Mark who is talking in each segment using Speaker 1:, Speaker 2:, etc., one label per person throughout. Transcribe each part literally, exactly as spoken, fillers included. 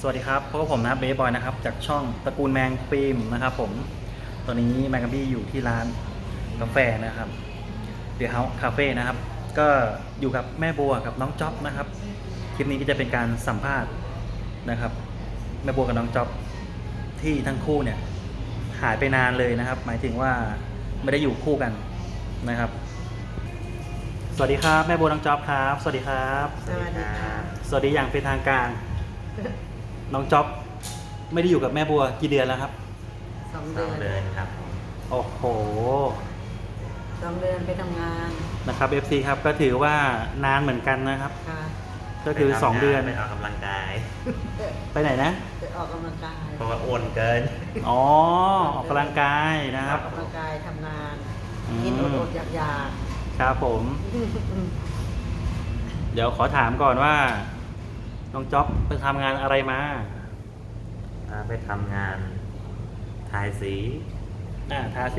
Speaker 1: สวัสดีครับพบกับผมนะเบสบอยนะครับจากช่องตระกูลแมงฟิล์มนะครับผมตอนนี้แมงกะบี้อยู่ที่ร้านกาแฟนะครับเดี๋ยวเฮาคาเฟ่นะครับก็อยู่กับแม่บัวกับน้องจ๊อบนะครับคลิปนี้ก็จะเป็นการสัมภาษณ์นะครับแม่บัวกับน้องจ๊อบที่ทั้งคู่เนี่ยหายไปนานเลยนะครับหมายถึงว่าไม่ได้อยู่คู่กันนะครับสวัสดีครับแม่บัวน้องจ๊อบครับสวัสดีครับ
Speaker 2: สวัสดีค่ะ
Speaker 1: สวัสดีอย่างเป็นทางการน้องจ๊อบไม่ได้อยู่กับแม่บัวกี่เดือนแล้วครับ
Speaker 2: สอง
Speaker 3: ส
Speaker 2: เดื
Speaker 3: อง
Speaker 2: อน
Speaker 3: เดือนครับ
Speaker 1: โอ้โห
Speaker 2: สองเดือนไปทำงาน
Speaker 1: นะครับ เอฟ ซี ครับก็ถือว่านานเหมือนกันนะครับ
Speaker 2: ค่ะ
Speaker 1: ก็คือ
Speaker 3: ไปทำงาน
Speaker 1: สองเดือน
Speaker 3: ไปออกกำลังกาย
Speaker 1: ไปไหนนะ
Speaker 2: ไปออกกำลังกาย
Speaker 3: เพราะว่าอ้วนเกิน
Speaker 1: อ๋อออกกำลังกายนะค
Speaker 2: อ
Speaker 1: รั
Speaker 2: อบ กกำลังกายทำงาน
Speaker 1: อืม
Speaker 2: กินอดๆอยาก
Speaker 1: ครับผม
Speaker 2: ๆ
Speaker 1: เดี๋ยวขอถามก่อนว่าน้องจ๊อบไปทำงานอะไรมา
Speaker 3: ไปทำงานทายสี
Speaker 1: อ่าทาสี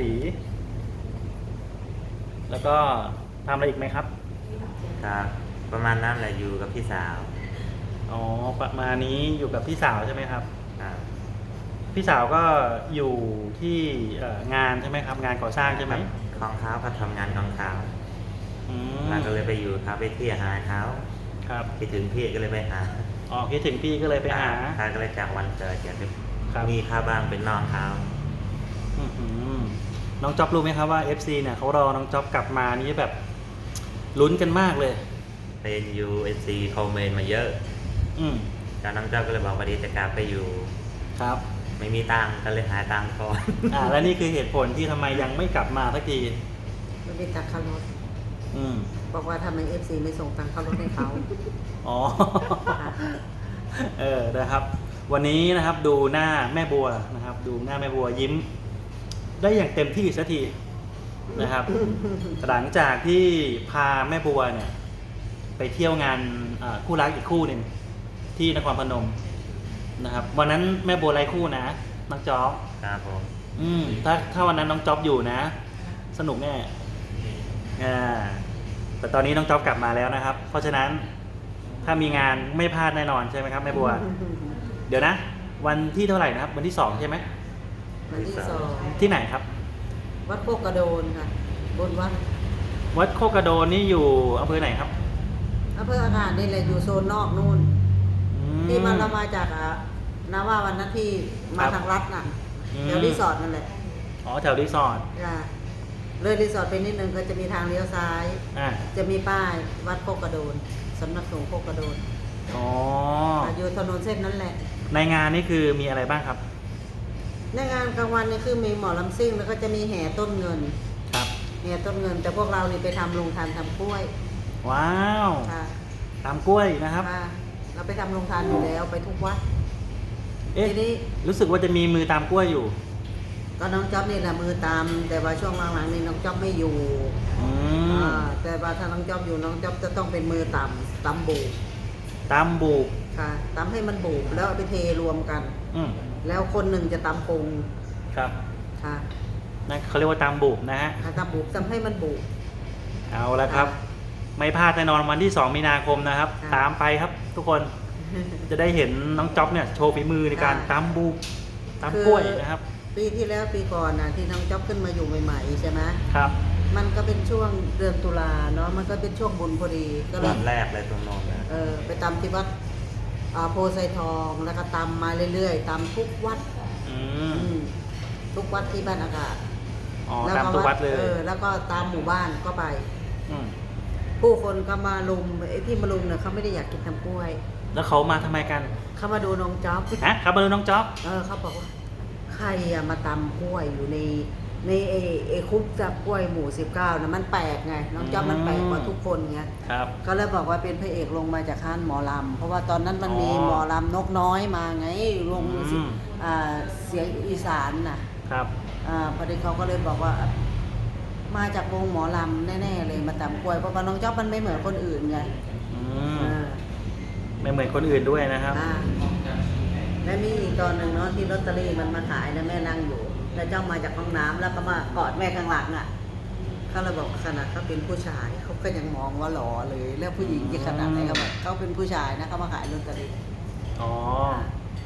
Speaker 1: แล้วก็ทำอะไรอีกไหมครับ
Speaker 3: ครับประมาณนั้นแหละอยู่กับพี่สาว
Speaker 1: อ๋อประมาณนี้อยู่กับพี่สาวใช่ไหมครับ
Speaker 3: ครับ
Speaker 1: พี่สาวก็อยู่ที่เอ่องานใช่ไหมครับ งานก่อสร้างใช่ไหม
Speaker 3: ของเขาเขาทำงานของเขา
Speaker 1: อืม
Speaker 3: เราก็เลยไปอยู่เขาไปเที่ยวหาเขา
Speaker 1: ครับ
Speaker 3: คิดถึงพี่ก็เลยไปหา
Speaker 1: อ๋อคิดถึงพี่ก็เลยไปหา
Speaker 3: เขาก็เลยจากวันเกิดอยากจะ
Speaker 1: ครับ
Speaker 3: มีข้าวบ้างเป็นน้องเขา
Speaker 1: อื้อหือน้องจ๊อบรู้ไหมครับว่า เอฟ ซี เนี่ยเขารอน้องจ๊อบกลับมานี่แบบลุ้นกันมากเลย
Speaker 3: เป็นยูเอซีคอมเมนต์มาเยอะ
Speaker 1: อืม
Speaker 3: แล้วน้องเจ้าก็เลยบอกว่าดีจะกลับไปอยู่
Speaker 1: ครับ
Speaker 3: ไม่มีตังค์ก็เลยหาตังค์ก่อน
Speaker 1: อ่าและนี่คือเหตุผลที่ทำไมยังไม่กลับมาสักที
Speaker 2: มันเป็นตักขารถ
Speaker 1: อืม
Speaker 2: บอกว่าทำไมเอฟซีไม่ส่งตังค์เข้ารถให้เขา
Speaker 1: อ๋อ
Speaker 2: ค่ะ
Speaker 1: เออนะครับ วันนี้นะครับดูหน้าแม่บัวนะครับ ดูหน้าแม่บัวยิ้ม ได้อย่างเต็มที่สักทีนะครับ หลังจากที่พาแม่บัวเนี่ย ไปเที่ยวงานอ่าคู่รักอีกคู่หนึ่งที่นครพนมนะครับ วันนั้นแม่บัวไร้คู่นะน้องจ๊อบ
Speaker 3: ครับผม
Speaker 1: อืมถ้าถ้าวันนั้นน้องจ๊อบอยู่นะ สนุกแน่อ่าแต่ตอนนี้น้องจ๊อบกลับมาแล้วนะครับ เพราะฉะนั้นถ้ามีงานไม่พลาดแน่นอนใช่ไหมครับแม่บัว เดี๋ยวนะ วันที่เท่าไหร่นะครับ วันที่สองใช่ไหม
Speaker 2: วันที่สอง
Speaker 1: ที่ไหนครับ
Speaker 2: วัดโคกกระโดนค่ะ บนวัด
Speaker 1: วัดโคกระโดนนี่อยู่อำเภอไหนครับ
Speaker 2: อำเภออาหารนี่แหละอยู่โซนนอกนู่น
Speaker 1: อื
Speaker 2: ที่มันเรามาจากอ่ะนาว่าวันนั้นที่มาทางรัฐน่ะ
Speaker 1: อืม
Speaker 2: แถวรีสอร์ทนั่นแหละ
Speaker 1: อ๋อแถวรีสอร์ท
Speaker 2: ค่ะเลยรีสอร์ทไปนิดนึงก็จะมีทางเลี้ยวซ้าย
Speaker 1: อ่า
Speaker 2: จะมีป้ายวัดโคกกระโดนสำนักสงฆ์โคกกระโดน
Speaker 1: อ๋อ
Speaker 2: อยู่ถนนเส้นนั้นแหละ
Speaker 1: ในงานนี่คือมีอะไรบ้างครับ
Speaker 2: ในงานกลางวันนี่คือมีหมอลำซิ่งแล้วก็จะมีแห่ต้นเงิน
Speaker 1: ครับ
Speaker 2: แห่ต้นเงิน แต่พวกเรานี่ไปทำโรงทานทำกล้วย
Speaker 1: ว้าว
Speaker 2: ค่ะ
Speaker 1: ตามกล้วยนะครับ
Speaker 2: ค่ะเราไปทำโรงทานอยู่แล้วไปทุกวัด
Speaker 1: เอ๊ะ
Speaker 2: ทีนี้
Speaker 1: รู้สึกว่าจะมีมือตามกล้วยอยู่
Speaker 2: ก็น้องจ๊อบนี่แหละมือตาม แต่ว่าช่วงหลังๆนี่น้องจ๊อบไม่อยู่
Speaker 1: อืม
Speaker 2: อ่าแต่ว่าถ้าน้องจ๊อบอยู่น้องจ๊อบจะต้องเป็นมือต่ำตำบูบ
Speaker 1: ตามบุก
Speaker 2: ค่ะตำให้มันบูบแล้วเอาไปเทรวมกัน
Speaker 1: อืม
Speaker 2: แล้วคนหนึ่งจะตำปรุง
Speaker 1: ครับ
Speaker 2: ค่ะ
Speaker 1: นั่นเขาเรียกว่าตามบุกนะฮะ
Speaker 2: อ่าตำบูบตำให้มันบูบ
Speaker 1: เอาละครับ ไม่พลาดแน่นอนวันที่สองมีนาคมนะครับ
Speaker 2: ค่ะ
Speaker 1: ตามไปครับ ทุกคนจะได้เห็นน้องจ๊อบเนี่ยโชว์ฝีมือในการ
Speaker 2: ค่ะ
Speaker 1: ตามบุกตามกล้วยนะครับ
Speaker 2: ปีที่แล้วปีก่อนนะที่น้องจ๊อบขึ้นมาอยู่ใหม่ๆใช่ไหม
Speaker 1: ครับ
Speaker 2: มันก็เป็นช่วงเดือนตุลาเนาะมันก็เป็นช่วงบุญพอดีก็เล
Speaker 3: วั
Speaker 2: ย
Speaker 3: นแรกเลยตรงโน้นนะ
Speaker 2: เออไปตำที่วัดอ่าโพไซทองแล้วก็ตำมาเรื่อยๆตำทุกวัด
Speaker 1: อืม
Speaker 2: อืมทุกวัดที่บ้านอากาศ
Speaker 1: อ๋อ
Speaker 2: แล้ว
Speaker 1: ตามทุกวัดเลย
Speaker 2: เออแล้วก็ตามหมู่บ้านก็ไป
Speaker 1: ม
Speaker 2: ผู้คนก็มาลุมไอ้ที่มาลุมเนี่ยเขาไม่ได้อยากกินทำกล้วย
Speaker 1: แล้วเขามาทำไมกัน
Speaker 2: เขามาดูน้องจ๊อบ
Speaker 1: ฮะครับมาดูน้องจ๊อบ
Speaker 2: เออเขาบอกว่าใครอะมาตำกล้วยอยู่ในในเอเอคุกจับกล้วยหมู่สิบเก้านะมันแปลกไงน้องจ๊อบมันแปลกกว่าทุกคนไง
Speaker 1: ครับ
Speaker 2: ก็เลยบอกว่าเป็นพระเอกลงมาจากข้านหมอลำเพราะว่าตอนนั้นมันมี
Speaker 1: อ๋อ
Speaker 2: หมอลำนกน้อยมาไงลง
Speaker 1: อืม
Speaker 2: อ่าเสียงอีสานน่ะ
Speaker 1: ครับ
Speaker 2: อ่าพอดีเขาก็เลยบอกว่า มาจากวงหมอลำแน่ๆเลยมาตำกล้วยเพราะว่าน้องจ๊อบมันไม่เหมือนคนอื่นไง
Speaker 1: อืม
Speaker 2: อ่า
Speaker 1: ไม่เหมือนคนอื่นด้วยนะครับ
Speaker 2: อ่าและมีอีกตอนหนึ่งเนาะที่ลอตเตอรี่มันมาขายแล้วแม่นั่งอยู่ แล้วเจ้ามาจากห้องน้ำแล้วก็มากอดแม่ข้างหลังอ่ะเขาเลยบอกขนาดเขาเป็นผู้ชายเขาก็ยังมองว่าหล่อเลย แล้วผู้หญิงจะขนาดไหนเขาบอกเขาเป็นผู้ชายนะเขามาขายลอตเตอรี่
Speaker 1: อ๋อ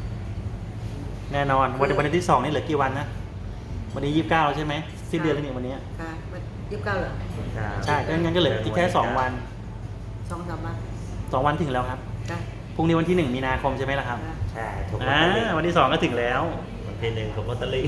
Speaker 1: แน่นอนวันวันที่สองนี่เหลือกี่วันนะวันนี้ยี่สิบเก้าแล้วใช่ไหมสิ้นเดือนแล้วนี่วันนี้
Speaker 2: ค่ะมันยี่สิบเก้าเหรอ
Speaker 1: ใช่งั้นงั้นก็เหลืออีกแค่สองวัน
Speaker 2: สองสามวัน
Speaker 1: สองวันถึงแล้วครับ
Speaker 2: ค่ะ
Speaker 1: พรุ่งนี้วันที่หนึ่งมีนาคมใช่ไหมล่ะครับ
Speaker 2: ค่ะ
Speaker 3: ใช่ถูกลอต
Speaker 1: อ่า
Speaker 3: เตอรี่
Speaker 1: วันที่สองก็ถึงแล้ว
Speaker 3: วันที่หนึ่งถูกลอตเตอรี่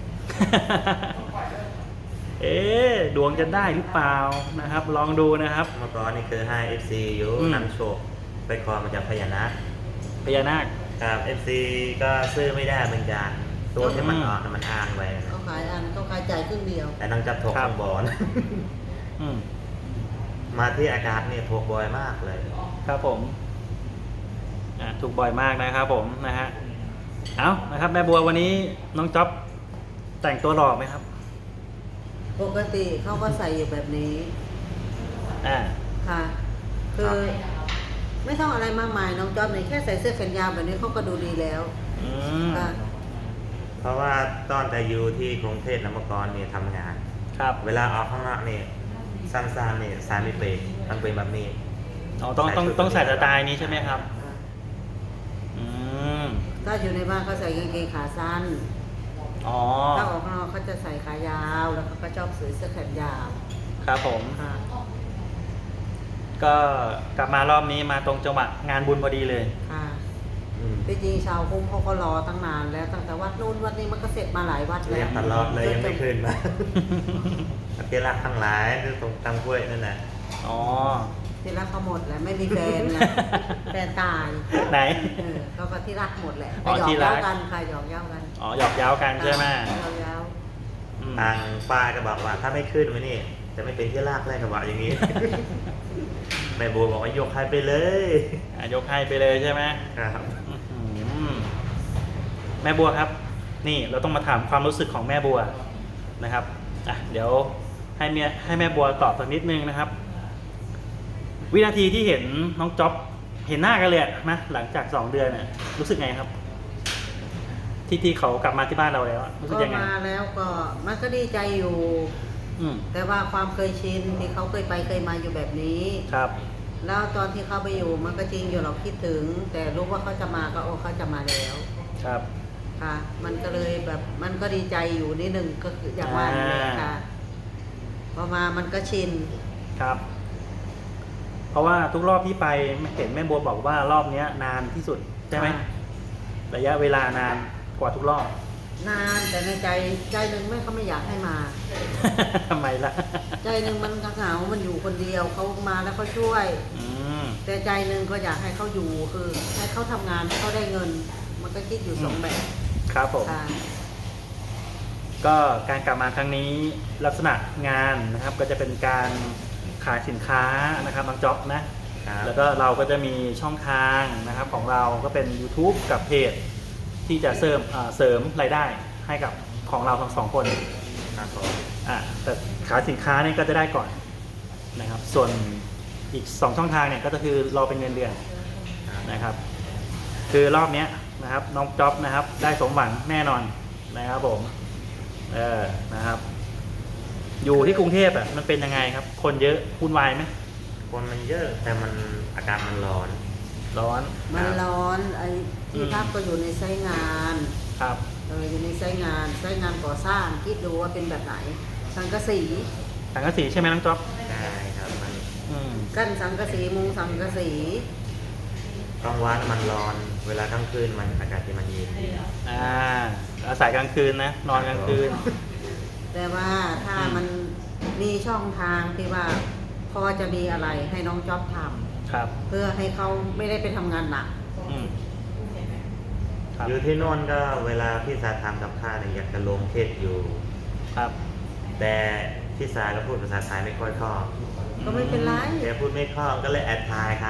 Speaker 1: เอ๊ะดวงจะได้หรือเปล่านะครับ ลองดูนะครับ
Speaker 3: เมื่อก่อนนี่คือให้ เอฟ ซี อยู่
Speaker 1: อืม
Speaker 3: นำโชคไปขอมาจากพญานาค
Speaker 1: พญานาค
Speaker 3: ครับ เอฟ ซี ก็ซื้อไม่ได้เหมือนกันตัวที่มันออกน่ะมันอ้างไว้นะ
Speaker 2: เขาขายอันเขาขายจ่ายครึ่งเดียว
Speaker 3: แต่น้องจับถก
Speaker 1: ครับ
Speaker 3: ข้างบอล
Speaker 1: อืม
Speaker 3: มาที่อากาศเนี่ยถกบ่อยมากเลย
Speaker 1: ครับผมอ่ะถูกบ่อยมากนะครับผมนะฮะเอานะครับแม่บัววันนี้น้องจ๊อบแต่งตัวหล่อไหมครับ
Speaker 2: ปกติเขาก็ใส่อยู่แบบนี้
Speaker 1: อ่า
Speaker 2: ค่ะ คือไม่ต้องอะไรมากมายน้องจอมเนี่ยแค่ใส่เสื้อแขนยาวแบบนี้เขาก็ดูดีแล้ว
Speaker 1: อืม
Speaker 2: ค่ะ
Speaker 3: เพราะว่าตอนแต่อยู่ที่กรุงเทพนะเมื่อก่อนเนี่ยทำงาน
Speaker 1: ครับ
Speaker 3: เวลาออกข้างนอกเนี่ยสั้นๆเนี่ยสายไม่เป็นต้องเป็นแบบนี้
Speaker 1: อ๋อต้องต้องต้องใส่สไตล์นี้ใช่ไหมครับ อืม
Speaker 2: ถ้าอยู่ในบ้านเขาใส่กางเกงขาสั้น
Speaker 1: อ๋อ
Speaker 2: ถ้าออกข้างนอกเขาจะใส่ขายาว แล้วเขาก็ชอบใส่เสื้อแขนยาว
Speaker 1: ครับผม
Speaker 2: ค่ะ
Speaker 1: ก็กลับมารอบนี้มาตรงจังหวะงานบุญพอดีเลย
Speaker 2: ค่ะ
Speaker 3: อืม
Speaker 2: ที่จริงชาวคุ้มเขาก็รอตั้งนานแล้วตั้งแต่วัดนู้นวัดนี้มันก็เสร็จมาหลายวัด
Speaker 3: เรี
Speaker 2: แล้
Speaker 3: ยว กตลอดเลยยังไม่ขึ้นมาเกลักทั้งหลายที่ตรงตำกล้วยนั่นแหละ
Speaker 1: อ๋อ
Speaker 2: ที่รักเขาหมดแหละไม่มีแฟนนะ แฟนตาย
Speaker 1: ไหน
Speaker 2: เออเขาก็ที่รักหมดแหละ
Speaker 1: อ๋อ
Speaker 2: หยอก
Speaker 1: ที่รั
Speaker 2: เย้าก กันใครหยอกเย้ากัน
Speaker 1: อ๋อหยอกเย้ากันใช่ไหม
Speaker 2: หยอกเย้า
Speaker 1: อืม
Speaker 3: ทางป้าก็บอกว่าถ้าไม่ขึ้นมานี่จะไม่เป็นที่รากแรกกับว่าอย่างนี้ แม่บัวบอกว่ายกให้ไปเลย
Speaker 1: อ่ะยกให้ไปเลยใช่ไหม
Speaker 3: ครับ
Speaker 1: อื้อหือแม่บัวครับ นี่เราต้องมาถามความรู้สึกของแม่บัวนะครับอ่ะเดี๋ยวให้เมียให้แม่บัวตอบสักนิดนึงนะครับ วินาทีที่เห็นน้องจ๊อบเห็นหน้ากันเลยอะนะหลังจากสองเดือนน่ะรู้สึกไงครับ ที่ที่เขากลับมาที่บ้านเราแล้วอะรู้สึก
Speaker 2: ก็
Speaker 1: ยังไง
Speaker 2: มาแล้วก็มันก็ดีใจอยู่
Speaker 1: อืม
Speaker 2: แต่ว่าความเคยชินที่เขาเคยไปเคยมาอยู่แบบนี้
Speaker 1: ครับ
Speaker 2: แล้วตอนที่เขาไปอยู่มันก็จริงอยู่เราคิดถึง แต่รู้ว่าเขาจะมาก็โอ้เขาจะมาแล้ว
Speaker 1: ครับ
Speaker 2: ค่ะ มันก็เลยแบบมันก็ดีใจอยู่นิดนึงก็คืออย่างว่านี่แหละค่ะพอมามันก็ชิน
Speaker 1: ครับ เพราะว่าทุกรอบที่ไปเห็นแม่บัวบอกว่ารอบเนี้ย นานที่สุดใช่ไหม
Speaker 2: ค่ะ
Speaker 1: ระยะเวลานานกว่าทุกรอบ
Speaker 2: นานแต่ในใจใจหนึ่งแม่เขาไม่อยากให้มา
Speaker 1: ทำไมล่ะ
Speaker 2: ใจหนึ่งมันเหงา มันอยู่คนเดียวเขามาแล้วเขาช่วย
Speaker 1: อืม
Speaker 2: แต่ใจหนึ่งก็อยากให้เขาอยู่คือให้เขาทำงานให้เขาได้เงิน มันก็คิดอยู่สองแบบ
Speaker 1: ครับผม
Speaker 2: ค่ะ
Speaker 1: ก็การกลับมาครั้งนี้ลักษณะงานนะครับ ก็จะเป็นการขายสินค้านะครับบางจ็อบนะ
Speaker 3: ครับ
Speaker 1: แล้วก็เราก็จะมีช่องทางนะครับของเราก็เป็น YouTube กับเพจที่จะเสริมเอ่อเสริมรายได้ให้กับของเราทั้งสองคน
Speaker 3: ครับผม
Speaker 1: อ่าแต่ขายสินค้าเนี่ยก็จะได้ก่อนนะครับ ส่วนอีกสองช่องทางเนี่ยก็คือรอเป็นเงินเดือน
Speaker 3: ครับ
Speaker 1: นะครับ คือรอบเนี้ยนะครับน้องจ๊อบนะครับ ได้สมหวังแน่นอนนะครับผมเออนะครับ อยู่ที่กรุงเทพอ่ะมันเป็นยังไงครับ คนเยอะวุ่นวายไหม
Speaker 3: คนมันเยอะแต่มันอากาศมันร้อน
Speaker 1: ร้อน
Speaker 2: มันร้อนไอ้ที่
Speaker 1: อืม
Speaker 2: พักก็อยู่ในไซต์งาน
Speaker 1: ครับ
Speaker 2: เอออยู่ในไซต์งานไซต์งานก่อสร้างคิดดูว่าเป็นแบบไหน สังกะสี
Speaker 1: สังกะสีใช่ไหมน้องจ๊อบ
Speaker 3: ใช่ครับมัน
Speaker 1: อืม
Speaker 2: กั้นสังกะสีมุงสังกะสี
Speaker 3: กลางวันมันร้อน เวลากลางคืนมันอากาศที่มันเย็น
Speaker 1: อ่าอาศัยกลางคืนนะนอนกลางคืน
Speaker 2: แต่ว่าถ้า
Speaker 1: อืม
Speaker 2: มันมีช่องทางที่ว่าพอจะมีอะไรให้น้องจ๊อบท
Speaker 1: ครับ
Speaker 2: ำเพื่อให้เขาไม่ได้ไปทำงานหนัก
Speaker 1: อืมครับ
Speaker 3: อยู่ที่โน่นก็เวลาพี่สาทำกับข้าวเนี่ยอยากจะลงเทศอยู่
Speaker 1: ครับ
Speaker 3: แต่พี่สาก็พูดภาษาไทยไม่ค่อยคล่อง
Speaker 2: ก็ไม่เป็นไร
Speaker 3: แกพูดไม่คล่องก็เลยแอดทายเขา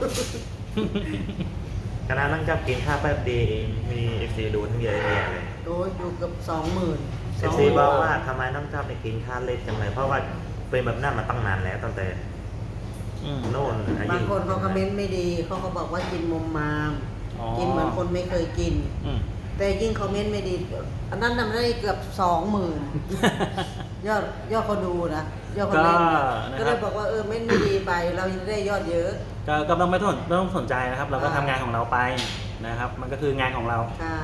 Speaker 3: คณะนั่งจับกินข้าวแป๊บเดียวเองมีเอฟซีดูทั้งเยอะแยะเลย
Speaker 2: โดยอยู่เกับสองหมื่น
Speaker 3: เอฟซีบอกว่าทำไมน้องจับในกินข้าวเล็กจังเลยเพราะว่าเป็นแบบนั้นมาตั้งนานแล้วตั้งแต่
Speaker 1: อืม
Speaker 3: โน่นอายุ
Speaker 2: บางคนเขาคอมเมนต์ไม่ดีเขาก็บอกว่ากินมุมมาม
Speaker 1: อ๋อ
Speaker 2: กินเหมือนคนไม่เคยกิน
Speaker 1: อืม
Speaker 2: แต่ยิ่งคอมเมนต์ไม่ดี อันนั้นน่ะมันได้เกือบสองหมื่นยอดยอดคนดูนะยอดคนเล่นนะ
Speaker 1: ก็นะครับ
Speaker 2: ก็เลยบอกว่าเออเม้นไม่ดีไป เราจะได้ยอดเยอะ
Speaker 1: ก็ก็ต้องไม่ต้องไม่ต้องสนใจนะครับ เราก็
Speaker 2: อ่า
Speaker 1: ทำงานของเราไปนะครับ มันก็คืองานของเรา
Speaker 2: ค่ะ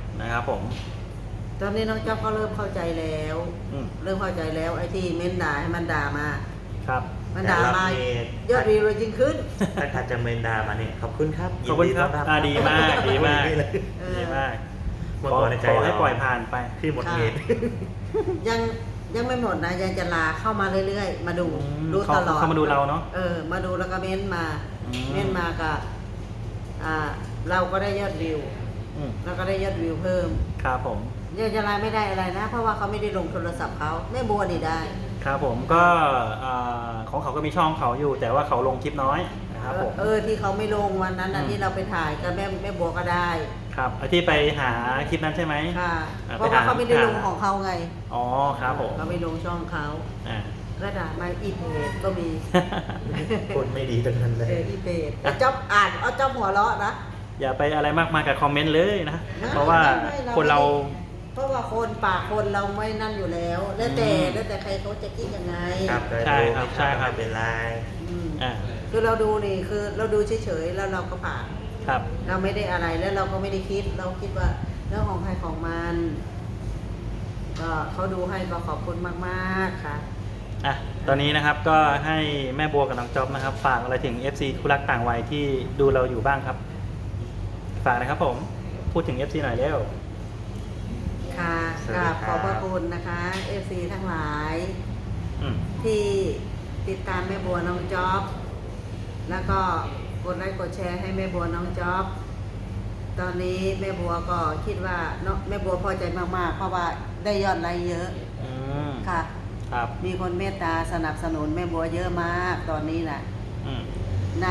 Speaker 1: นะครับผม
Speaker 2: ตอนนี้น้องจ๊อบก็เริ่มเข้าใจแล้ว
Speaker 1: อืม
Speaker 2: เริ่มเข้าใจแล้วไอ้ที่เม้นด่าให้มันด่ามา
Speaker 1: ครับ
Speaker 2: มันด่ามา
Speaker 3: แต่รอบนี้
Speaker 2: ยอดวิวเลยจริงขึ้น
Speaker 3: ถ้าใครจะเมนดามาเนี่ยขอบคุณครับ
Speaker 1: ขอบคุณครับ
Speaker 3: ยินต้น
Speaker 1: อ่าดีมากดีมาก
Speaker 3: เลย
Speaker 2: เออ
Speaker 1: ดีมาก
Speaker 3: เมื่อ
Speaker 1: ขอ
Speaker 3: ก่อนในใจ
Speaker 1: ขอให้
Speaker 3: เรา
Speaker 1: ปล่อยผ่านไป
Speaker 3: ที่หมด
Speaker 2: ค่ะ
Speaker 3: เมน
Speaker 2: ยังยังไม่หมดนะยังจะลาเข้ามาเรื่อยๆ มาดู
Speaker 1: อืม
Speaker 2: ดู
Speaker 1: เขา
Speaker 2: ตลอด
Speaker 1: เขามาดูเราเนอะ
Speaker 2: เออ มาดูแล้วก็เม้นมา
Speaker 1: อืม
Speaker 2: เม้นมาก็อ่า เราก็ได้ยอดวิว
Speaker 1: อืม
Speaker 2: แล้วก็ได้ยอดวิวเพิ่ม
Speaker 1: ครับผม
Speaker 2: ยังจะลาไม่ได้อะไรนะ เพราะว่าเขาไม่ได้ลงโทรศัพท์เขาแม่บัวนี่ได้
Speaker 1: ครับผมก็อ่าของเขาก็มีช่องเขาอยู่ แต่ว่าเขาลงคลิปน้อยนะครับผม
Speaker 2: เออที่เขาไม่ลงวันนั้นนะ
Speaker 1: อืม
Speaker 2: ที่เราไปถ่ายกับแม่แม่บัวก็ได้
Speaker 1: ครับไอ้ที่ไปหาคลิปนั้นใช่ไหม
Speaker 2: ค่ะ
Speaker 1: อ่า
Speaker 2: เพราะ
Speaker 1: ไป
Speaker 2: ว่า
Speaker 1: หา
Speaker 2: เขาไม่ได้ลง
Speaker 1: หา
Speaker 2: ของเขาไง
Speaker 1: อ๋อครับผม
Speaker 2: เขาไม่ลงช่องเขา
Speaker 1: อ่า
Speaker 2: ระดับมาอีเพจก็มี
Speaker 3: คนไม่ดีทั้งนั้นเล
Speaker 2: เอย ออีเพจเอาจ๊อบอ่านเอาจ๊อบหัวเราะนะ
Speaker 1: อย่าไปอะไรมากมายกับคอมเมนต์เลยนะ
Speaker 2: นะ
Speaker 1: เพราะว่า
Speaker 2: ไม่ไม่
Speaker 1: คนเรา
Speaker 2: เพราะว่าคนปากคนเราไม่นั่นอยู่แล้ว แล้วแต่
Speaker 1: อืม
Speaker 2: แล้วแต่ใครเขาจะคิดยังไง
Speaker 3: ครับ
Speaker 1: ใช่ครับใช่ครับ
Speaker 3: ไม่เป็นไร
Speaker 2: อืม
Speaker 1: อ่า
Speaker 2: คือเราดูนี่คือเราดูเฉยๆแล้วเราก็ผ่าน
Speaker 1: ครับ
Speaker 2: เราไม่ได้อะไรแล้วเราก็ไม่ได้คิด เราคิดว่าเรื่องของใครของมันก็เขาดูให้ก็ขอบคุณมากๆค่ะ
Speaker 1: อ่ะตอนนี้นะครับก็ให้แม่บัวกับน้องจ๊อบนะครับ ฝากอะไรถึง เอฟ ซี คู่รักต่างวัยที่ดูเราอยู่บ้างครับ ฝากนะครับผมพูดถึง เอฟ ซี หน่อยเร็ว
Speaker 2: ค่ะ
Speaker 3: สวัส
Speaker 2: ก
Speaker 3: ดี
Speaker 2: ราบ
Speaker 3: ค
Speaker 2: ข
Speaker 3: รับ
Speaker 2: อบพระคุณนะคะเอฟซีทั้งหลาย
Speaker 1: อืม
Speaker 2: ที่ติดตามแม่บัวน้องจ๊อบ แล้วก็กดไลค์กดแชร์ให้แม่บัวน้องจ๊อบ ตอนนี้แม่บัวก็คิดว่าเนาะแม่บัวพอใจมากๆ เพราะว่าได้ยอดไลค์เยอะ
Speaker 1: อืม
Speaker 2: ค่ะ
Speaker 1: ครับ
Speaker 2: มีคนเมตตาสนับสนุนแม่บัวเยอะมากตอนนี้นะ
Speaker 1: อืม
Speaker 2: ใน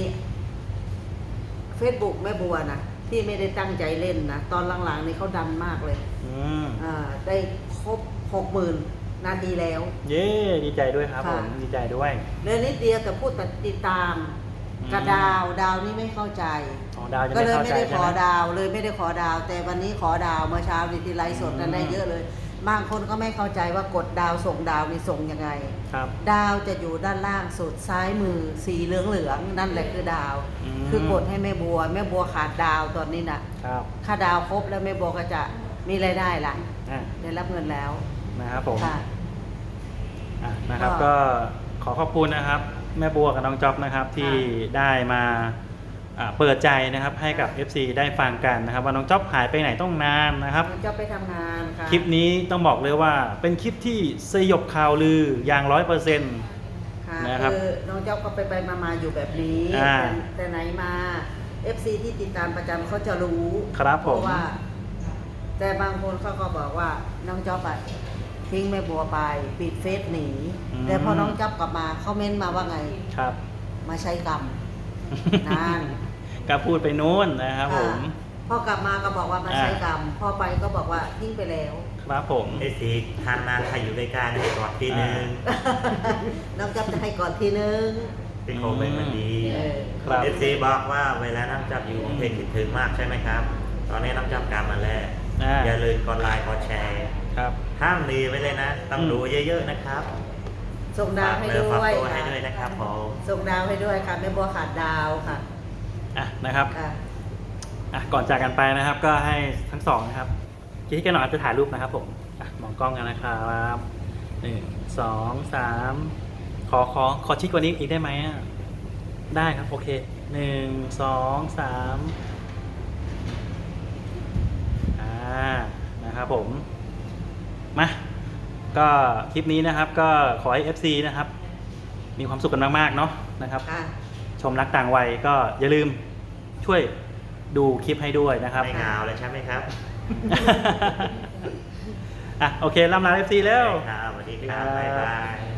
Speaker 2: Facebook แม่บัวนะที่ไม่ได้ตั้งใจเล่นนะตอนหลังๆนี่เขาดันมากเลย
Speaker 1: อืม
Speaker 2: อ่าได้ครบหกหมื่นนาทีแล้ว
Speaker 1: เย้ดีใจด้วยครับ
Speaker 2: ค่ะ
Speaker 1: ผมดีใจด้วย
Speaker 2: เรื่องนิดเดียวแต่พูดแต่ติดตาม
Speaker 1: อืม
Speaker 2: กระดาวดาวนี่ไม่เข้าใจ
Speaker 1: อ๋อดาวจะ
Speaker 2: ก็
Speaker 1: ไม่
Speaker 2: เลย
Speaker 1: เข้า
Speaker 2: ไม่
Speaker 1: ใจ
Speaker 2: ได้
Speaker 1: ใช่
Speaker 2: ขอ
Speaker 1: ไหม
Speaker 2: ดาวเลยไม่ได้ขอดาว แต่วันนี้ขอดาวเมื่อเช้านี่ที่ไลฟ์สดนั้น
Speaker 1: อืม
Speaker 2: ได้เยอะเลย บางคนก็ไม่เข้าใจว่ากดดาวส่งดาวนี่ส่งยังไง
Speaker 1: ครับ
Speaker 2: ดาวจะอยู่ด้านล่างสุดซ้ายมือสีเหลืองเหลืองๆนั่นแหละคือดาว
Speaker 1: อืม
Speaker 2: คือกดให้แม่บัวแม่บัวขาดดาวตอนนี้นะครับ ถ้าดาวครบแล้วแม่บัวก็จะมีรายได้ละ
Speaker 1: อ่ะ
Speaker 2: ได้รับเงินแล้ว
Speaker 1: นะครับผม
Speaker 2: ค่ะ
Speaker 1: อ่ะนะครับ
Speaker 2: ก็
Speaker 1: ก็ขอขอบคุณนะครับ แม่บัวกับน้องจ๊อบนะครับ ที่ได้มาอ่าเปิดใจนะครับให้กับ เอฟ ซี ได้ฟังกันนะครับ ว่าน้องจ๊อบหายไปไหนต้องนานนะครับ
Speaker 2: จะไปทำงานค่ะ
Speaker 1: คลิปนี้ต้องบอกเลยว่าเป็นคลิปที่สยบข่าวลืออย่างร้อยเปอร์เซ็นต์
Speaker 2: ค่ะ
Speaker 1: นะครับ
Speaker 2: คือน้องเจ้าก็ไปไปมามาอยู่แบบนี้
Speaker 1: อ่า
Speaker 2: แต่แต่ไหนมา เอฟ ซี ที่ติดตามประจำเขาจะรู้
Speaker 1: ครับ
Speaker 2: เพ
Speaker 1: ผม
Speaker 2: ราะว่า แต่บางคนเขาก็บอกว่าน้องจ๊อบอะทิ้งแม่บัวไปปิดเฟซหนี แต่พอน้องจ๊อบกลับมาเขาเม้นมาว่าไง
Speaker 1: ครับ
Speaker 2: มาใช้กรรม นาน
Speaker 1: ก็พูดไปนู้นนะครับผม
Speaker 2: พอกลับมาก็บอกว่ามาใช้กรรม พอไปก็บอกว่าทิ้งไปแล้ว
Speaker 1: ครับผม
Speaker 3: ไอ้สีทานนานใครอยู่ใกล้ๆให้กอดทีนึง
Speaker 2: น้องจ๊อบจะให้ก่อนทีนึง
Speaker 3: ที่โคเป็นมันดี
Speaker 2: เออ
Speaker 1: ครับ
Speaker 3: เอฟซีบอกว่าเวลาน้ำจับอยู่เพลงคิดถึงมากใช่ไหมครับ ตอนนี้น้ำจับกลับมาแล้ว
Speaker 1: อ่า
Speaker 3: อย่าลืมกดไลค์กดแชร์
Speaker 1: ครับ
Speaker 3: ห้ามดีไว้เลยนะ ต้อง
Speaker 1: อืม
Speaker 3: ดูเยอะๆนะครับ
Speaker 2: ส่งดาวให้
Speaker 3: ฝากเนื้อ
Speaker 2: ด้
Speaker 3: ฝาก
Speaker 2: วย
Speaker 3: ตัวให้
Speaker 2: ค่ะ
Speaker 3: ด้วยนะครับผม
Speaker 2: ส่งดาวให้ด้วยค่ะแม่บัวขาดดาวค่ะ
Speaker 1: อ่ะนะครับ
Speaker 2: ค่ะ
Speaker 1: อ่ะก่อนจากกันไปนะครับ ก็ให้ทั้งสองนะครับคิดกันหน่อยจะถ่ายรูปนะครับผมอ่ะมองกล้องกันนะครับหนึ่งสองสามขอขอขอชิดกว่านี้อีกได้ไหมอ่ะได้ครับโอเคหนึ่งสองสามอ่านะครับผมมาก็คลิปนี้นะครับก็ขอให้ เอฟ ซี นะครับ มีความสุขกันมากๆเนาะนะครับ
Speaker 2: ค่ะ
Speaker 1: ชมรักต่างวัยก็อย่าลืมช่วยดูคลิปให้ด้วยนะครับ
Speaker 3: ไม่เหงาเลยใช่ไหมครับ
Speaker 1: อ่ะโอเคล่ำลา เอฟ ซี แล้ว
Speaker 3: ครับสวัสดีครับบ๊ายบาย